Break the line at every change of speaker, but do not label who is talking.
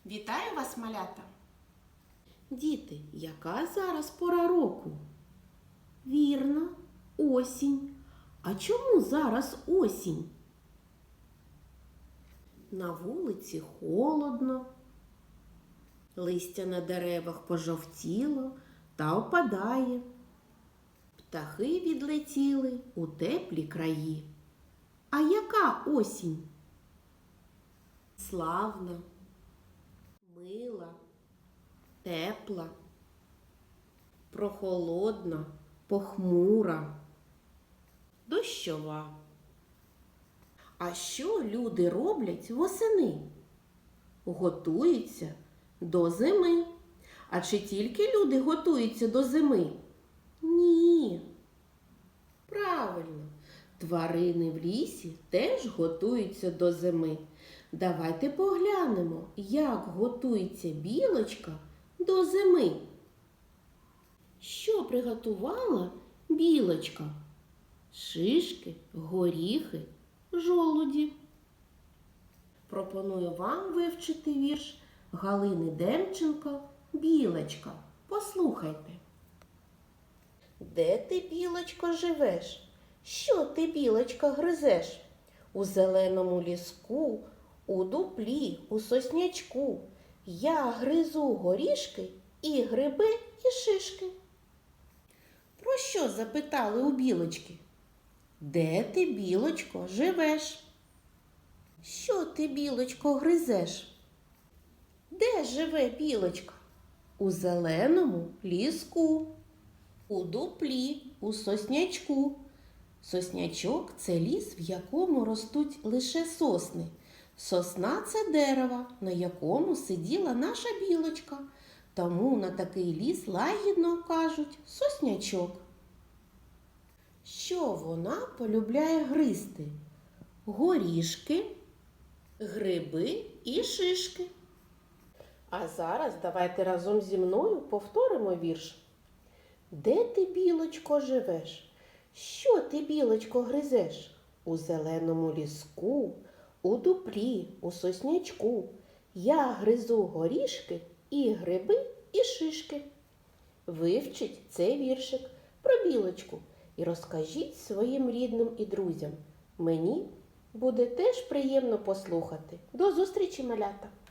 Вітаю вас, малята!
Діти, яка зараз пора року? Вірно, осінь. А чому зараз осінь? На вулиці холодно, листя на деревах пожовтіло та опадає. Птахи відлетіли у теплі краї. А яка осінь? Славна, мила, тепла, прохолодна, похмура, дощова. А що люди роблять восени? Готуються до зими. А чи тільки люди готуються до зими? Ні. Правильно, тварини в лісі теж готуються до зими. Давайте поглянемо, як готується білочка до зими. Що приготувала білочка? Шишки, горіхи, жолуді. Пропоную вам вивчити вірш Галини Демченко «Білочка». Послухайте. Де ти, білочко, живеш? Що ти, білочка, гризеш? У зеленому ліску, у дуплі, у соснячку. Я гризу горішки і гриби, і шишки. Про що запитали у білочки? Де ти, білочко, живеш? Що ти, білочко, гризеш? Де живе білочка? У зеленому ліску, у дуплі, у соснячку. Соснячок – це ліс, в якому ростуть лише сосни. Сосна – це дерево, на якому сиділа наша білочка. Тому на такий ліс лагідно кажуть соснячок. Що вона полюбляє гризти? Горішки, гриби і шишки. А зараз давайте разом зі мною повторимо вірш. Де ти, білочко, живеш? Що ти, білочко, гризеш? У зеленому ліску, у дуплі, у соснячку. Я гризу горішки і гриби, і шишки. Вивчіть цей віршик про білочку і розкажіть своїм рідним і друзям. Мені буде теж приємно послухати. До зустрічі, малята!